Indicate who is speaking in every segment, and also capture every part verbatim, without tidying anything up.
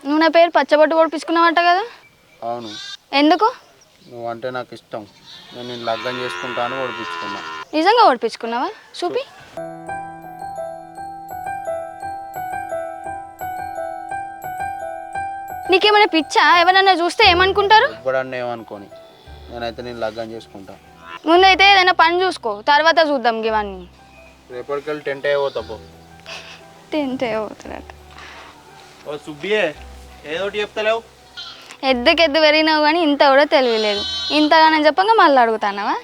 Speaker 1: నువ్వు నా పేరు పచ్చబొట్టు పొడిపించుకున్నావంట కదా?
Speaker 2: అవును.
Speaker 1: ఎందుకు?
Speaker 2: నువ్వు అంటే నాకు ఇష్టం, నేను నేను లగ్గం చేసుకుంటాను ఓడిపించుకున్నా.
Speaker 1: నిజంగా ఓడిపించుకున్నావా? చూపి. నీకేమైనా పిచ్చా? ఎవరన్నా చూస్తే ఏమనుకుంటారు?
Speaker 2: ఎప్పుడన్నా ఏమనుకోని, నేనైతే నేను లగ్గం చేసుకుంటా.
Speaker 1: ముందైతే ఏదైనా పని చూసుకో, తర్వాత చూద్దాం ఇవన్నీ.
Speaker 2: రేపటికెళ్ళి టెంట్ అయిపోతా పో.
Speaker 1: టెంట్ అయిపోతున్నట్టు.
Speaker 2: ఓ సుబ్బియే, ఏదోటి చెప్తలేవు.
Speaker 1: ఎద్దుకెద్దు పెరిగినావు కానీ ఇంత కూడా తెలియలేదు. ఇంతగానే చెప్పంగా మళ్ళీ అడుగుతానవా?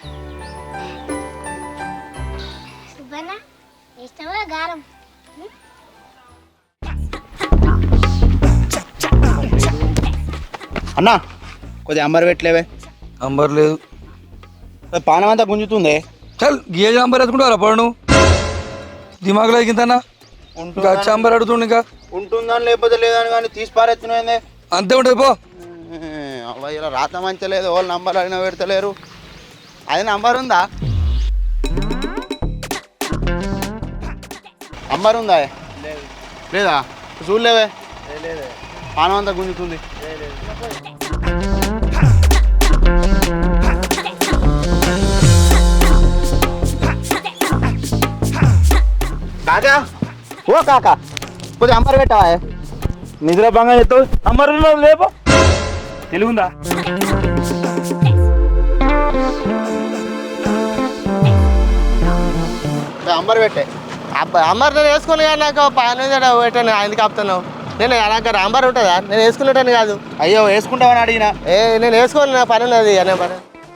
Speaker 2: అన్నా కొద్దిగా అంబర్ పెట్టలేవే.
Speaker 3: అంబర్ లేదు,
Speaker 2: పానం అంతా గుంజుతుంది.
Speaker 3: చల్ గేజ్ అంబర్ వేసుకుంటారా పడు దిమాగులో ఎగింతన్నా ఇంకా అంబర్ అడుగుతుండు. ఇంకా
Speaker 2: ఉంటుందని లేకపోతే లేదని కానీ తీసి పారెత్తున్నాయిందే.
Speaker 3: అంతే ఉంటుంది పో.
Speaker 2: అవ్వ ఇలా రాత మంచలేదు, వాళ్ళు నంబర్ అడిగినా పెడతలేరు. అది నంబర్ ఉందా? నంబర్ ఉందా? లేదా చూడలేవే. పానం అంతా గుంజుతుంది. కాకా, ఓ కాకా కొద్దిగా అంబర్ పెట్టావా? నిద్ర బంగా చెప్తావు. అంబర్ లేపో. తెలుగుందా? అంబర్ పెట్టే.
Speaker 4: అంబర్ నేను వేసుకోలే నాకు పని పెట్టాను. ఎందుకు ఆపుతున్నావు? నేను నాకు అంబర్ ఉంటుందా? నేను వేసుకునేటాను కాదు.
Speaker 2: అయ్యో వేసుకుంటావని అడిగినా.
Speaker 4: ఏ నేను వేసుకోవాలి, నా పని ఉన్నది అనే పని.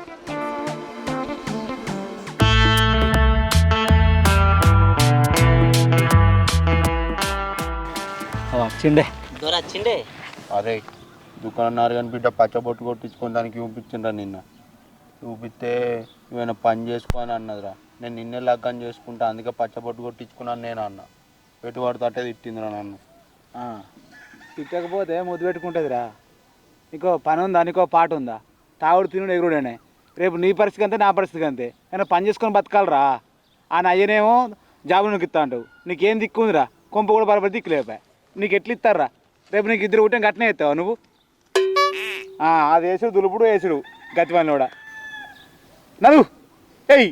Speaker 5: వచ్చిండే వచ్చిండే
Speaker 2: అరే దుకాణారు కానీ బిడ్డ పచ్చబొట్టు కొట్టించుకొని దానికి చూపించిండ్రా నిన్న. చూపిస్తే ఏమైనా పని చేసుకో అని అన్నదిరా. నేను నిన్నే లగ్గం చేసుకుంటా, అందుకే పచ్చబొట్టు కొట్టించుకున్నాను నేను అన్న. పెట్టుబడి తట్టే తిట్టిందిరా నన్ను.
Speaker 6: తిట్టకపోతే ముద్దు పెట్టుకుంటుందిరా. నీకో పని ఉందా? నీకో పాట ఉందా? తాగుడు తినుడు ఎగురుడనే. రేపు నీ పరిస్థితి అంతే, నా పరిస్థితి అంతే. అయినా పని చేసుకొని బతకాలరా. ఆ అయ్యనేమో జాబు నీకు ఇస్తా అంటావు. నీకేం దిక్కు ఉందిరా? కొంప కూడా బరబడి దిక్కు లేపా. నీకు ఎట్లు ఇస్తారా? రేపు నీకు ఇద్దరు ఉంటే గట్నే ఎత్తావా నువ్వు? అది వేసుడు దులుపుడు వేసుడు గతివాని కూడా నవ్వు. ఏయ్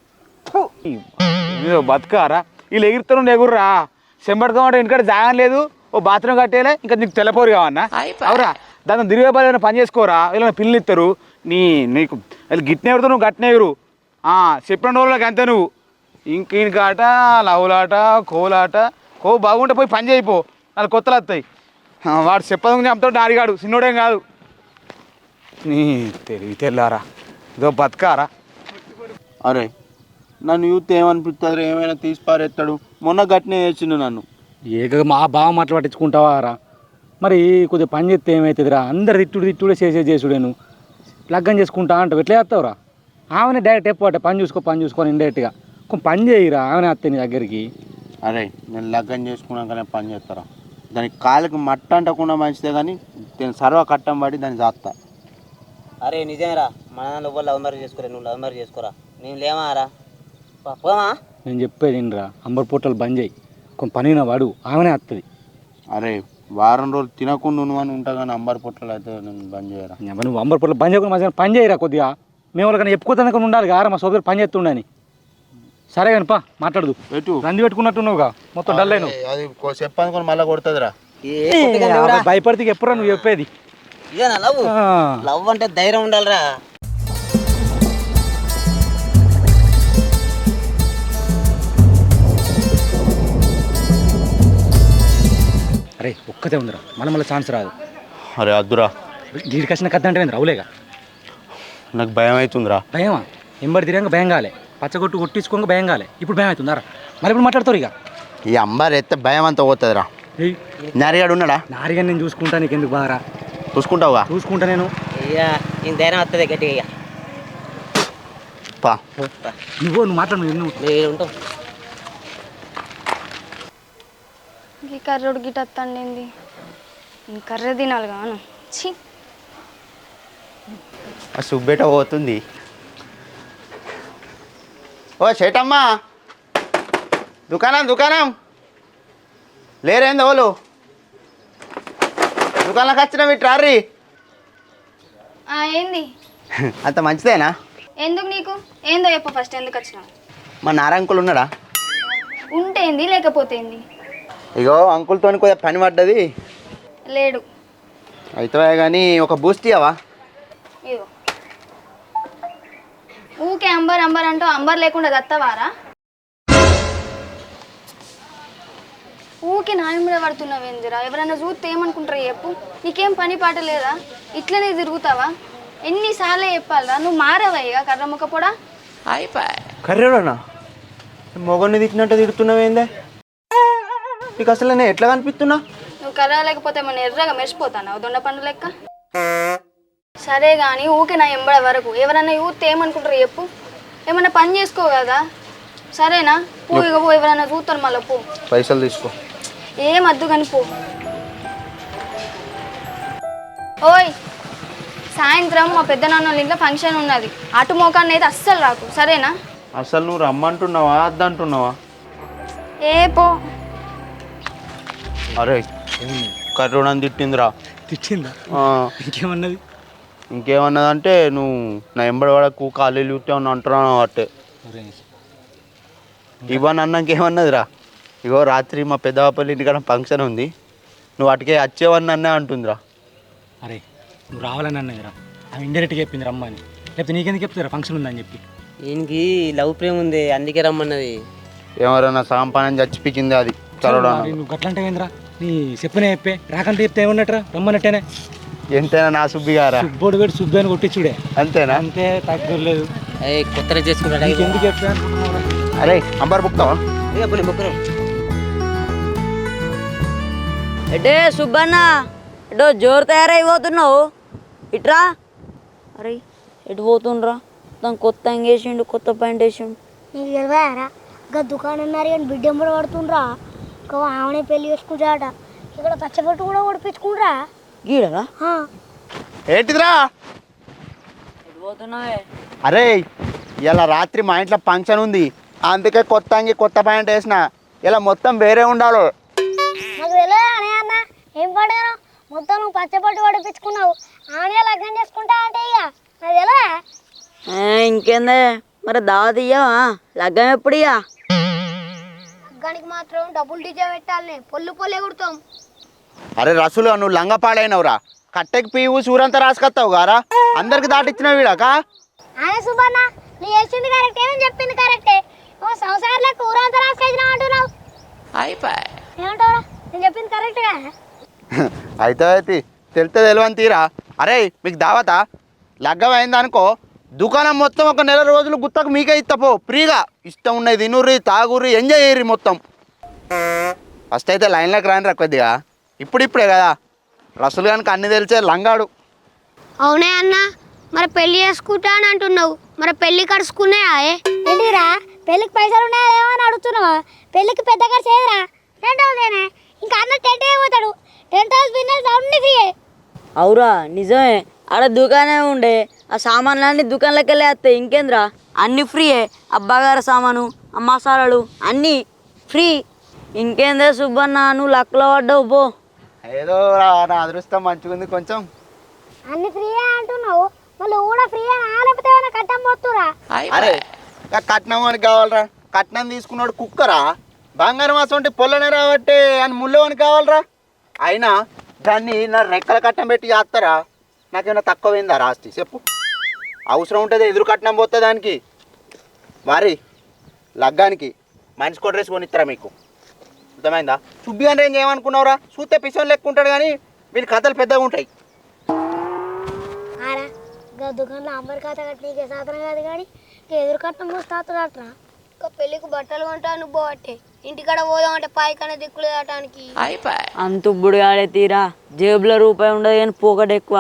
Speaker 6: బతకారా? వీళ్ళు ఎగురుతాను ఎగురురా. చెంబడుకోమంటే ఇంటికాడ జాగం లేదు, ఓ బాత్రూమ్ కట్టేలే, ఇంకా నీకు తెల్లపోరు కావన్నా? అవురా, దాంతో తిరిగే పని పని చేసుకోరా. వీళ్ళని పిల్లలు ఇస్తారు. నీ నీకు వీళ్ళు గిట్నే ఎగురుతావు, నువ్వు గట్నే ఎగురు. చెప్పిన రోజులకి అంతే నువ్వు. ఇంక ఇంకాట లవ్వులాట కోలాట. కో బాగుంటే పోయి పని చేయిపో, నాకు కొత్తలు వస్తాయి. వాడు చెప్పదు చెప్తాడు డాడిగాడు, చిన్నోడేం కాదు. నీ తెలివి తెల్లారా, ఇదో బతకారా.
Speaker 2: అరే నన్ను యూత్ ఏమనిపిస్తుంది? ఏమైనా తీసి పారేస్తాడు. మొన్న గట్టినే వేసిండు నన్ను.
Speaker 5: ఏక మా బావ మాటలు పట్టించుకుంటావా రా? మరి కొద్దిగా పని చేస్తే ఏమవుతుందిరా? అందరు తిట్టుడు తిట్టుడే చేసే చేసుడేను. లగ్గం చేసుకుంటా అంటావు, ఎట్లా చేస్తావురా? ఆమెనే డైరెక్ట్ ఎప్పుడు పని చూసుకో పని చూసుకొని ఇండైరెక్ట్గా కొంచెం పని చేయిరా. ఆమెనే వస్తాయి నీ దగ్గరికి.
Speaker 2: అరే నేను లగ్గం చేసుకున్నాకనే పని చేస్తారా? దానికి కాళ్ళకి మట్ట అంటకుండా మంచిదే, కానీ నేను సర్వ కట్టం పడి దాన్ని జాస్తా.
Speaker 7: అరే నిజమేరా, మన నువ్వు లవ్ మ్యారేజ్ చేసుకోరా, నువ్వు లవ్ మ్యారేజ్ చేసుకోరా, నేను లేమారా పోమా.
Speaker 5: నేను చెప్పేది ఏంట్రా, అంబర్ పొట్టలు బంద్ చేయి, కొంచెం పనిన వాడు, ఆమెనే వస్తుంది.
Speaker 2: అరే వారం రోజులు తినకుండా నువ్వు అని ఉంటా, కానీ అంబర్ పొట్టలు అయితే నేను బంద్ చేయరా.
Speaker 5: నువ్వు అంబర్ పొట్టలు బంద్ చేయకుండా మంచిగా పని చేయరా. కొద్దిగా మేము వాళ్ళకన్నా చెప్పుకోతానికి ఉండాలి కారా, మా సోదరు పని చేస్తుండని. సరే కానీ పా మాట్లాడదు.
Speaker 2: ఎటు
Speaker 5: రంది పెట్టుకున్నట్టున్నావుగా, మొత్తం డల్ అయినావు.
Speaker 2: అది చెప్పనుకొని మళ్ళీ కొడుతుందిరా.
Speaker 5: భయపడితే ఎప్పుడా నువ్వు చెప్పేది?
Speaker 7: ఇదేనా లవ్? లవ్ అంటే ధైర్యం ఉండాలిరా.
Speaker 5: అరే ఒక్కతే ఉందిరా, మళ్ళీ మళ్ళీ ఛాన్స్ రాదు.
Speaker 2: అరే అద్దురా,
Speaker 5: వీడికి వచ్చిన కథ అంటే రావులేగా.
Speaker 2: నాకు భయం అవుతుందిరా.
Speaker 5: భయమా? ఎంబడి తిరిగాక భయం కాలే, పచ్చగొట్టు కొట్టించుకోక భయం కాలే, ఇప్పుడు భయం అవుతుందారా? మరి ఇప్పుడు మాట్లాడతారు ఇక.
Speaker 2: ఈ అంబర్ ఎత్తే భయం అంతా పోతుందిరా. నారిగాడు ఉన్నాడా?
Speaker 5: నారిగా నేను చూసుకుంటా, నీకు ఎందుకు బాగా?
Speaker 2: చూసుకుంటావుగా?
Speaker 5: చూసుకుంటా నేను.
Speaker 7: ఇక నేను ధైర్యం వస్తుంది గట్టిగా.
Speaker 2: పా
Speaker 5: నువ్వు నువ్వు మాట్లాడు, నువ్వు
Speaker 7: ఉంటావు.
Speaker 1: ఈ కర్రోడు గిట వస్తాండి, ఈ కర్ర తినాలి కాను. ఛీ,
Speaker 2: ఆ సుబ్బేట పోతుంది. ఓ చేటమ్మా, దుకాణం దుకాణం లేరేంది వాళ్ళు? దుకాణంలోకి వచ్చిన మీ ట్రారీ
Speaker 1: ఆ, ఏంది
Speaker 2: అంత మంచిదేనా?
Speaker 1: ఎందుకు నీకు ఏందో చెప్పు ఫస్ట్ ఎందుకు వచ్చినావు?
Speaker 2: మా నారా అంకుల్ ఉన్నాడా?
Speaker 1: ఉంటేంది లేకపోతే ఏంది?
Speaker 2: ఇగో అంకుల్తో కొద్దిగా పని పడ్డది.
Speaker 1: లేడు.
Speaker 2: అయితే కానీ ఒక బూస్ట్ ఇవ్వవా?
Speaker 1: ఇదిగో ఊకే అంబర్ అంబర్ అంటూ అంబర్ లేకుండా దత్తవారా? ఊకే నాయం మీద పడుతున్నావేందిరా? ఎవరైనా చూస్తే ఏమనుకుంటారా చెప్పు? నీకేం పని పాట లేదా? ఇట్లనే తిరుగుతావా? ఎన్నిసార్లు చెప్పాలరా? నువ్వు మారవయ్యా కర్రముక్క పొడా.
Speaker 2: కర్రేడనా? మొగన్ని తిట్టినట్టు తిడుతున్నావేందే? నీకు అసలు నేను ఎట్లా కనిపిస్తున్నా?
Speaker 1: నువ్వు కర్ర లేకపోతే మన ఎర్రగా మెరిసిపోతాను దొండ పండు లెక్క. సరే కానీ ఊకే నా ఎంబడ వరకు ఎవరైనా చూస్తే ఏమనుకుంటారు చెప్పు? ఏమన్నా పని చేసుకో కదా. సరేనా? పూ ఇక పో, ఎవరైనా చూస్తారు మళ్ళీ పో.
Speaker 2: పైసలు తీసుకో.
Speaker 1: ఏం అద్దు కానీ పో. ఓయ్ సాయంత్రం మా పెద్ద నాన్న ఇంట్లో ఫంక్షన్ ఉన్నది. అటు మోకాన్ని అయితే అస్సలు రాకు సరేనా?
Speaker 2: అసలు నువ్వు రమ్మంటున్నావా అద్దంటున్నావా?
Speaker 1: ఏ పో.
Speaker 2: అరే కర్రోడని తిట్టిందిరా.
Speaker 5: తిట్టిందా? ఇంకేమన్నది?
Speaker 2: ఇంకేమన్నదంటే నువ్వు నా ఎంబడి వాడకు ఖాళీ చూస్తే ఉన్నా అంటున్నావు అట్టే. ఇవ్వని అన్నాకేమన్నదిరా? ఇగో రాత్రి మా పెద్దవాపల్లి ఇంటికాడ ఫంక్షన్ ఉంది, నువ్వు అటుకే వచ్చేవన్నీ అన్నే అంటుందిరా.
Speaker 5: అరే నువ్వు రావాలని అన్నదిరా, ఆమె ఇండైరెక్ట్గా చెప్పింది రమ్మని. లేకపోతే నీకెందుకు చెప్తారా ఫంక్షన్ ఉందని చెప్పి?
Speaker 7: ఈయనకి లవ్ ప్రేమ ఉంది అందుకే రమ్మన్నది.
Speaker 2: ఎవరైనా సాంపానం చచ్చిపించింది అది చదవడం.
Speaker 5: నువ్వు అట్లా అంటే ఏంద్రా? నీ చెప్పనే చెప్పే రాకంటే చెప్తే ఏమన్నట్రా? రమ్మన్నట్టేనే.
Speaker 2: ఎంతైనా నా సుబ్బి గారా?
Speaker 5: సుబ్బోడు పెట్టి సుబ్బి అని కొట్టించుడే
Speaker 2: అంతేనా?
Speaker 5: అంతే, తగ్గలేదు.
Speaker 7: కొత్తగా చేసుకుంటా
Speaker 5: ఎందుకు చెప్తా?
Speaker 2: అరే అంబర్ బుక్తావా?
Speaker 8: ఎటే సుబ్బన్న, ఎటో జోరు తయారైపోతున్నావు, ఇట్రా. అరే ఎటు పోతుండ్రా? దాని కొత్త అంగేసిండు, కొత్త ప్యాంట్ వేసిండు.
Speaker 9: నీకు తెలియరా? ఇంకా దుకాణం అన్నారు కానీ బిడ్డ ఎంబడి పడుతుండ్రా. ఇంకా ఆమెనే పెళ్లి చేసుకుంటాడట. ఇక్కడ పచ్చబొట్టు కూడా ఓడిపించుకుండ్రా.
Speaker 8: గీడరా?
Speaker 2: ఏంటిదిరా?
Speaker 8: ఎటు పోతున్నావే?
Speaker 2: అరే ఇలా రాత్రి మా ఇంట్లో ఫంక్షన్ ఉంది, అందుకే కొత్త అంగి కొత్త ప్యాంట్ వేసిన. ఇలా మొత్తం వేరే ఉండాలి.
Speaker 9: నాకు తెలియదా అనే అన్న ఏం పడాను? మొత్తం నువ్వు పచ్చబొట్టు ఓడిపించుకున్నావు, ఆమె లగ్నం చేసుకుంటా అంటే ఇక నాకు తెలియదా?
Speaker 8: ఇంకేందే మరి దావత్ ఇయ్యవా? లగ్గం ఎప్పుడు ఇయ్యా?
Speaker 9: లగ్గానికి మాత్రం డబ్బులు డీజే పెట్టాలని పొల్లు పొల్లు ఎగురుతాం.
Speaker 2: అరే రసులు నువ్వు లంగ పాడైనవురా. కట్టెకి పీవు సూరంతా రాసుకొస్తావు గారా, అందరికి దాటిచ్చిన వీడాక.
Speaker 9: అదే సుబ్బన్న నువ్వు చేసింది కరెక్టే, నేను చెప్పింది కరెక్టే. ఓ సంసారంలో ఊరంతా రాసుకొచ్చినావు అంటున్నావు. ఏమంటావురా? నేను చెప్పింది కరెక్ట్గా.
Speaker 2: అయితే అయితే తెలితే తెలియని తీరా. అరే మీకు దావతా లగ్గం అయిందనుకో, దుకాణం మొత్తం ఒక నెల రోజులు గుత్తకు మీకే ఇస్తపో ఫ్రీగా. ఇష్టం ఉన్నది తినుర్రి తాగుర్రి ఎంజాయ్ చేయర్రి మొత్తం. ఫస్ట్ అయితే లైన్లోకి రాని రా కొద్దిగా, ఇప్పుడిప్పుడే కదా. రసులు కనుక అన్ని తెలిసే లంగాడు.
Speaker 9: అవునే అన్న, మరి పెళ్లి చేసుకుంటా అని అంటున్నావు, మరి పెళ్లి కడుచుకున్నాయా? ఏంటిరా పెళ్లికి పైసలు ఉన్నాయా ఏమో అని అడుగుతున్నావా? పెళ్లికి పెద్ద ఖర్చు ఏదిరా? టెంట్ హౌసేనే. ఇంకా అన్న టెంట్ అయిపోతాడు. టెంట్ హౌస్ బిజినెస్ అన్ని ఫ్రీయే.
Speaker 8: అవురా నిజమే, ఆడ దుకాణమే ఉండే, ఆ సామాన్లన్నీ దుకాణంలోకి వెళ్ళి వస్తాయి. ఇంకేంద్రా అన్నీ ఫ్రీయే. ఆ బగార సామాను, ఆ మసాలాలు అన్నీ ఫ్రీ. ఇంకేందే సుబ్బన్న, నువ్వు లక్కలో పడ్డావు పో.
Speaker 2: ఏదో నా అదృష్టం మంచిగా ఉంది కొంచెం.
Speaker 9: అన్ని ఫ్రీయే అంటున్నావు, మళ్ళీ కూడా ఫ్రీయే లేకపోతే ఏమైనా కట్టం పోతురా?
Speaker 2: అరే కట్నం అని కావాలరా? కట్నం తీసుకున్నాడు కుక్కరా? బంగారం మాసం అంటే పొల్లనే రాబట్టే అని ముళ్ళవని కావాలరా? అయినా దాన్ని నా రెక్కల కట్నం పెట్టి చేస్తారా? నాకేమైనా తక్కువైందా రాస్తి చెప్పు? అవసరం ఉంటుంది ఎదురు కట్నం పోతే దానికి. వారి లగ్గానికి మనిషి కొట్రేసి కొనిస్తారా మీకు? అర్థమైందా? సుబ్బి అంటే ఏం చేయమనుకున్నావురా? చూస్తే పిసం లెక్క ఉంటాడు కానీ వీళ్ళ కథలు పెద్దగా ఉంటాయి.
Speaker 9: ఆరా ఇంకా దుకాణంలో అంబర్ ఖాత కట్టినీకే సాధన కాదు కానీ ఎదురు కట్నం మోస్తాతురాట్రా. ఇంకా పెళ్ళికి బట్టలు కొంటాను పోవట్టే, ఇంటికాడ పోదాం అంటే పాయికనే దిక్కులు దాటానికి.
Speaker 8: అంతుబ్బుడు ఆడే తీరా, జేబులో రూపాయి ఉండదు కానీ పోకట ఎక్కువ.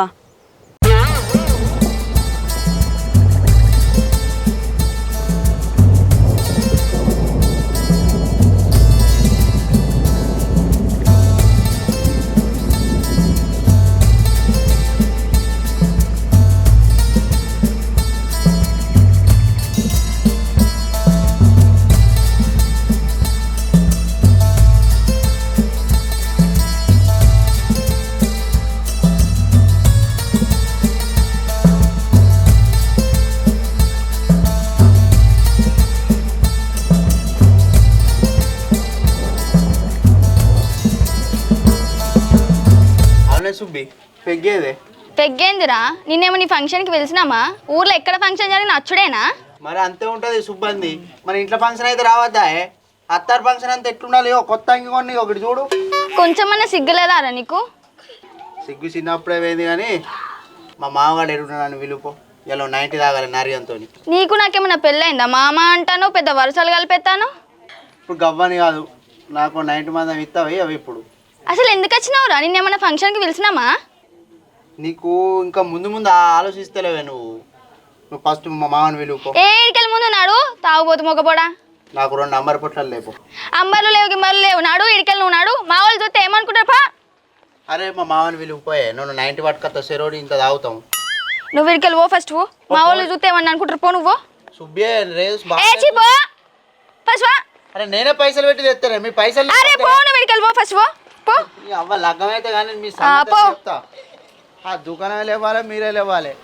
Speaker 2: సుబ్బి పెగ్గేదే
Speaker 1: పెగ్గేందిరా నిన్నేమో నీ ఫంక్షన్కి పిలిచినామా? ఊర్లో ఎక్కడ ఫంక్షన్ జరిగిన అచ్చుడేనా?
Speaker 2: మరి అంతే ఉంటుంది సుబ్బంది. మరి ఇంట్లో ఫంక్షన్ అయితే రావద్దా? అత్తారు ఫంక్షన్ అంతా ఎట్లుండాలి? ఓ కొత్త అంగి కొన్ని ఒకటి చూడు.
Speaker 1: కొంచెమన్నా సిగ్గులేదారా నీకు?
Speaker 2: సిగ్గు చిన్నప్పుడే పోయింది కానీ మా మామగాడు ఎడున్నాను విలుపో ఇలా నైన్టీ తాగాలి నారియంతో.
Speaker 1: నీకు నాకేమన్నా పెళ్ళైందా? మామ అంటాను, పెద్ద వరుసలు కలిపెత్తాను.
Speaker 2: ఇప్పుడు గవ్వని కాదు, నాకు నైన్టీ మంది ఇస్తావి అవి. ఇప్పుడు
Speaker 1: అసలు ఎందుకు వచ్చినావురా? నిన్నేమన్నా ఫంక్షన్కి పిలిచినామా?
Speaker 2: నీకు ఇంకా ముందు ముందు ఆలోచిస్తలేవే నువ్వు. నువ్వు ఫస్ట్ మా మామని విలుపో.
Speaker 1: ఏ ఇడికెళ్ళి ముందు నాడు తాగుబోతు మొగపోడా.
Speaker 2: నాకు రెండు అంబర్ పొట్లాలు లేపు.
Speaker 1: అంబర్లు లేవు గిమ్మర్లు లేవు, నాడు ఇడికెళ్ళి నువ్వు నాడు. మా వాళ్ళు చూస్తే ఏమనుకుంటారు పా.
Speaker 2: అరే మా మామని విలువపోయే నువ్వు నైన్టీ పట్టుకొస్తా సెరోడి ఇంత తాగుతాం.
Speaker 1: నువ్వు ఇడికెళ్ళి పో ఫస్ట్ పో. మా వాళ్ళు చూస్తే ఏమన్నా అనుకుంటారు పో నువ్వు.
Speaker 2: సుబ్బే రేస్
Speaker 1: ఏ చీ పో ఫస్ట్ వా.
Speaker 2: అరే నేనే పైసలు పెట్టి తెస్తానే మీ పైసలు.
Speaker 1: అరే పో నువ్వు ఇడికెళ్ళి పో ఫస్ట్ పో పో.
Speaker 2: అవ్వ లగ్గం అయితే కానీ మీ
Speaker 1: ఆ, పో.
Speaker 2: చెప్తా. ఆ దుకాణం లేవాలి మీరే లేవాలి.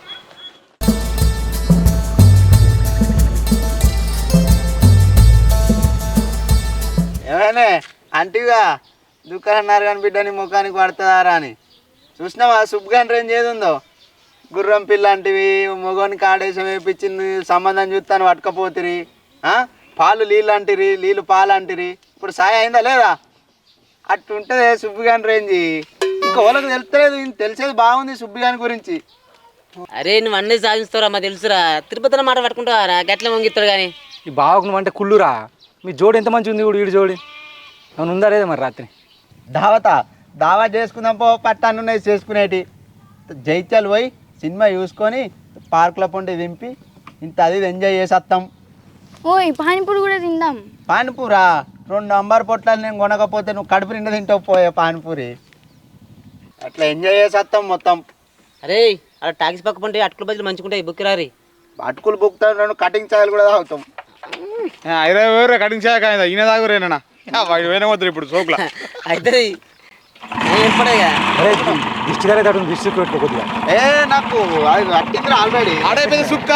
Speaker 2: ఏమైనా అంటిగా దుకాణం కానీ బిడ్డని ముఖానికి పడుతుందారా అని చూసినావా? సుబ్బుగాని రేంజ్ ఏది ఉందో. గుర్రం పిల్ల అంటివి మొగోనికి ఆడేసం వేయించింది సంబంధం చూస్తాను పట్టుకపోతిరి. పాలు నీళ్ళు అంటిరి, నీళ్ళు పాలు అంటిరి. ఇప్పుడు సాయ అయిందా లేదా? అట్టుంటుంది సుబ్బుగాని రేంజ్. ఇంకా వాళ్ళకి తెలుస్తలేదు, తెలిసేది బాగుంది సుబ్బుగాని గురించి.
Speaker 7: అరే నువ్వు అన్నీ సాధిస్తారా మా తెలుసురా. తిరుపతిలో మాట పట్టుకుంటావారా? గట్ల వంగిస్తాడు కానీ
Speaker 5: ఈ బావకు నువ్వు అంటే కుళ్ళురా. మీ జోడి ఎంత మంచిగా ఉంది ఇప్పుడు. వీడి జోడి అవును ఉందా లేదా మరి? రాత్రి
Speaker 2: దావతా దావా చేసుకుందాం పో. పట్టానున్నాయి చేసుకునేటి. జైత్యాలు పోయి సినిమా చూసుకొని పార్కుల పొండి దింపి ఇంత అది ఎంజాయ్ చేసి వస్తాం.
Speaker 1: ఓయ్ పానీపూరి కూడా తిందాం.
Speaker 2: పానీపూరా? రెండు అంబారు పొట్లాలు నేను కొనకపోతే నువ్వు కడుపు నిండా తింటావు పోయే పానీపూరి. అట్లా ఎంజాయ్ చేసి వస్తాం మొత్తం.
Speaker 7: అరే అలా టాక్సీ పక్క పంటే అటుకుల బదులు మంచుకుంటాయి బుక్కిరారి.
Speaker 2: అటుకులు బుక్తాను, రెండు కటింగ్ ఛాయలు కూడా తాగుతాం.
Speaker 6: ఇరవై వేరు కటింగ్ చేయక ఈయన దాగురేనా వాడు పోయిన వద్దు ఇప్పుడు సోకుల
Speaker 7: అయితే ఏర్పడగా
Speaker 5: దిష్టి గారే తడు దిష్టి పెట్టుకో కొద్దిగా.
Speaker 2: ఏ నాకు అట్టింది ఆల్రెడీ.
Speaker 6: ఆడైపోయింది సుక్క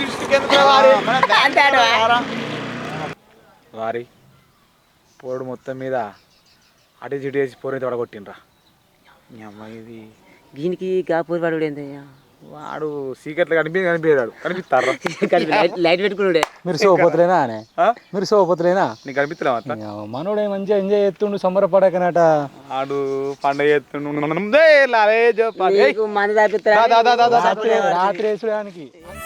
Speaker 6: వారి పోడు మొత్తం మీద అటు చిటు వేసి పోరైతే వడగొట్టినరా. మీ అమ్మాయి ఇది
Speaker 7: దీనికి కాపూరి వాడు ఏందయ్యా?
Speaker 6: వాడు సీక్రెట్లు కనిపి కనిపించాడు కనిపిస్తారా?
Speaker 7: లైట్ పెట్టుకున్నాడే.
Speaker 5: మీరు సోపోతులేనా అనే మీరు సోపోతులేనా?
Speaker 6: నీకు కనిపిస్తలేమా?
Speaker 5: మనోడే మంచిగా ఎంజాయ్ చేస్తుండు సంబరపడకనట.
Speaker 6: ఆడు పండుగ చేస్తుండు
Speaker 5: రాత్రి వేసడానికి.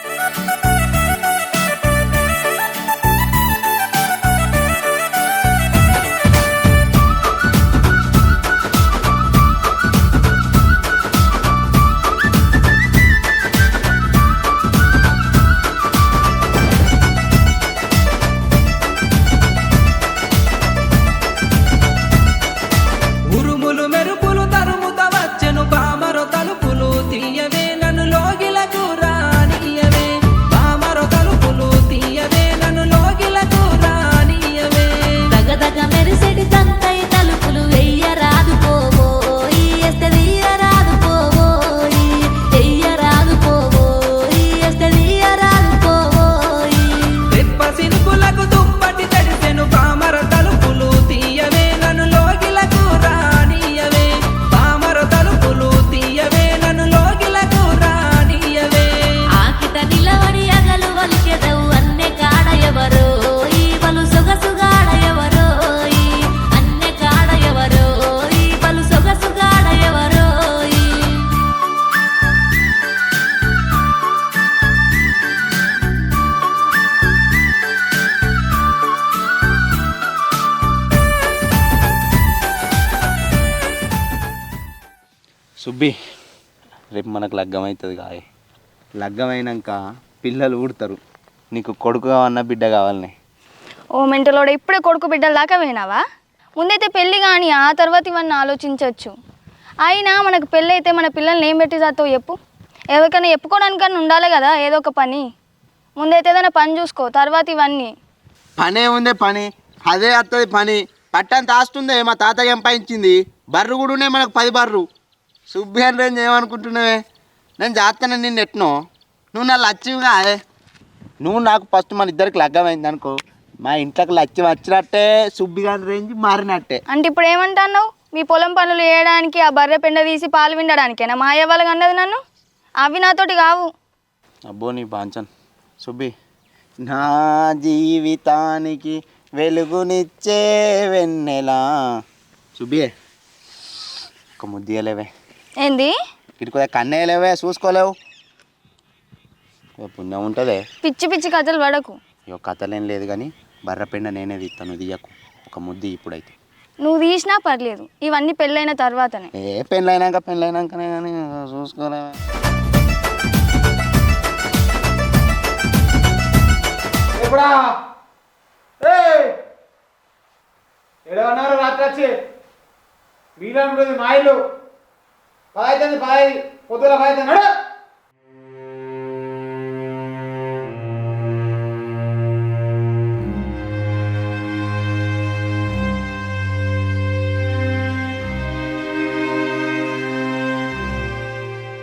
Speaker 2: సుబ్బి రేపు మనకు లగ్గం అవుతుంది కాయ. లగ్గం అయినాక పిల్లలు ఊడతారు. నీకు కొడుకు కావన్నా బిడ్డ కావాలని.
Speaker 1: ఓ మెంటలోడ ఇప్పుడే కొడుకు బిడ్డల దాకా వినావా? ముందైతే పెళ్ళి కానీ ఆ తర్వాత ఇవన్నీ ఆలోచించవచ్చు. అయినా మనకు పెళ్ళి అయితే మన పిల్లల్ని ఏం పెట్టి చేస్తావు చెప్పు? ఎవరికైనా చెప్పుకోవడానికన్నా ఉండాలి కదా ఏదో ఒక పని. ముందైతే ఏదైనా పని చూసుకో, తర్వాత ఇవన్నీ.
Speaker 2: పనే ఉందే పని, అదే వస్తుంది పని. పట్టంత ఆస్తుందే మా తాతయ్య ఎంపాయించింది. బర్రు కూడా ఉన్నాయి మనకు పది బర్రు. సుబ్బి అని రేంజ్ ఏమనుకుంటున్నావే? నేను చేస్తాను నిన్ను ఎట్నో. నువ్వు నా లచ్చివిగా. నువ్వు నాకు ఫస్ట్ మన ఇద్దరికి లగ్గమైంది అనుకో, మా ఇంట్లోకి లచ్చి వచ్చినట్టే సుబ్బి గారి రేంజ్ మారినట్టే.
Speaker 1: అంటే ఇప్పుడు ఏమంటున్నావు? మీ పొలం పనులు చేయడానికి ఆ బర్రె పెండ తీసి పాలు విండడానికేనా మా అయ్య వాళ్ళకి అన్నది నన్ను? అవి నాతోటి కావు.
Speaker 2: అబ్బో నీ బాంచన్ సుబ్బి, నా జీవితానికి వెలుగునిచ్చే వెన్నెలా. సుబ్బి ఒక ముద్దియలేవే,
Speaker 1: ఏంది?
Speaker 2: ఇటు కొద్దిగా కన్నేయలేవే, చూసుకోలేవు. పుణ్యం ఉంటుంది.
Speaker 1: పిచ్చి పిచ్చి కథలు పడకు.
Speaker 2: ఇక కథలేం లేదు కానీ బర్రపెండ నేనే తీస్తాను, తీయకు. ఒక ముద్ది ఇప్పుడైతే.
Speaker 1: నువ్వు తీసినా పర్లేదు, ఇవన్నీ పెళ్ళైన తర్వాతనే.
Speaker 2: ఏ పెళ్ళైనాక పెళ్ళైనాకనే కానీ చూసుకోలేవే.
Speaker 6: ఎప్పుడా ఏడవన్నారు రాత్రి వచ్చి మీలో ఉంటుంది మా ఇల్లు పదైతుంది పదై పొద్దుల పదైతుంది